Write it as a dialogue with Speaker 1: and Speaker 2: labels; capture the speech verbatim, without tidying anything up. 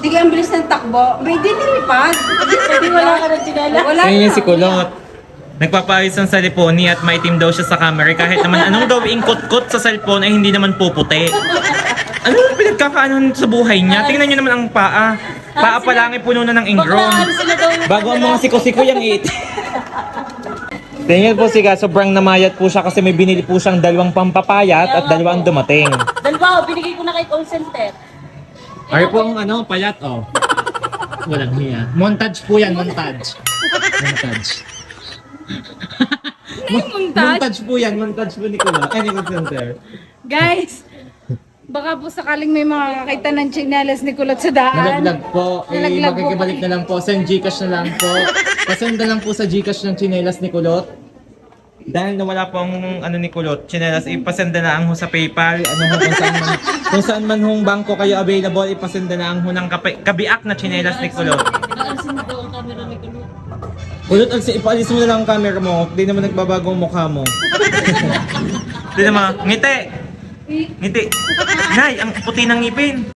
Speaker 1: Sige, ang bilis ng takbo. May di nilipad.
Speaker 2: Hindi wala ka ng chinela.
Speaker 1: Wala
Speaker 3: Ayun
Speaker 1: na.
Speaker 3: yung si Kulot. Nagpapayos ng saliponi at maitim daw siya sa camera kahit naman anong daw ingkot-kot sa cellphone ay hindi naman puputi. Ano yung pinagkakaanon sa buhay niya? Tingnan niyo naman ang paa. Paa pa lang ay puno na ng ingron.
Speaker 2: Baklaan sila daw yung
Speaker 3: Bago ang mga siko-siko yung it. Tingnan po siya, sobrang namayat po siya kasi may binili po siyang dalawang pampapayat at dalawang dumating.
Speaker 2: Dalawa, oh, binigay ko na kay call center.
Speaker 3: Ay po ang ano, payat oh. Walang hiya. Montage po yan, montage. Montage.
Speaker 1: Yung montage.
Speaker 3: Montage po yan, montage po ni Kuya. Ay, ni Call Center.
Speaker 1: Guys, baka po sakaling may makakakita ng chinelas ni Kulot sa daan.
Speaker 3: Nalaglag po. Eh,
Speaker 1: Nalaglag po.
Speaker 3: makikibalik na lang po. Send Gcash na lang po. Pasenda lang po sa Gcash ng chinelas ni Kulot. Dahil nawala po ang ano ni Kulot, chinelas, ipasenda na ang ho sa PayPal. Ano ho, kung saan man, kung saan man hong bangko kayo available, ipasenda na ang ho ng kape, kabiak na chinelas ni Kulot.
Speaker 2: Naalisin mo daw ang camera ni Kulot.
Speaker 3: Kulot, alsi- ipaalis mo na lang ang camera mo. Di naman nagbabago ang mukha mo. Di naman, ngiti! Ngiti! Nay, ang puti ng ngipin!